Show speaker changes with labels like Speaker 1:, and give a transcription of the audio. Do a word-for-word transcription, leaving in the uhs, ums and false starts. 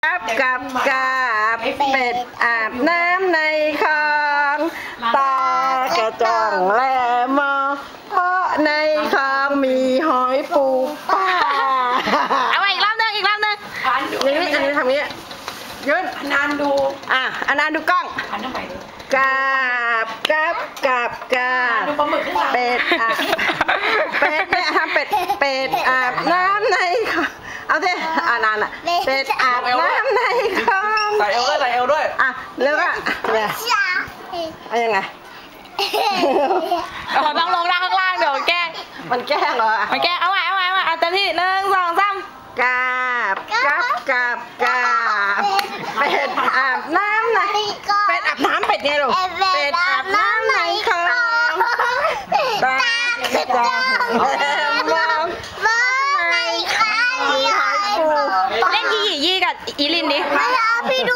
Speaker 1: กับกับกับเป็ดอาบน้ำในคลองตากระจ่องแลมองเพราะในคลองมีหอยปูปลาเอาไปอีกรอบนึงอีกรอบนึงอย่างนี้อันนี้ทำงี้ยืนอนานดูอ่ะอนานดูกล้องกับกับกับกับเป็ดอาบเป็ดเนี่ยทำเป็ดเป็ดอาบน้ำในคลองเอาสิอ่านานอ่ะเป็ดอาบน้ำในคลอง
Speaker 2: ใส่เอวด้วยใส่เอวด้วย
Speaker 1: อ่ะแล้วก็เนี่ยเอายังไง
Speaker 3: เราต้องลงด้านข้างล่างเดี๋ยวแกล้ง
Speaker 1: มันแกล้งเหรอ
Speaker 3: มันแกล้งเอาไว้เอาไว้เอาไว้เอาเต็มที่หนึ่งสองสาม
Speaker 1: กาบกับกับกาบเป็ดอาบน้ำในเป็ดอาบน้ำเป็ดไงลูกเป็ดอาบน้ำในคลองตากระจ่องมอง
Speaker 3: เล่นยี่ยี่ยี่กับอีลินดิ
Speaker 1: ไม่เอาพี่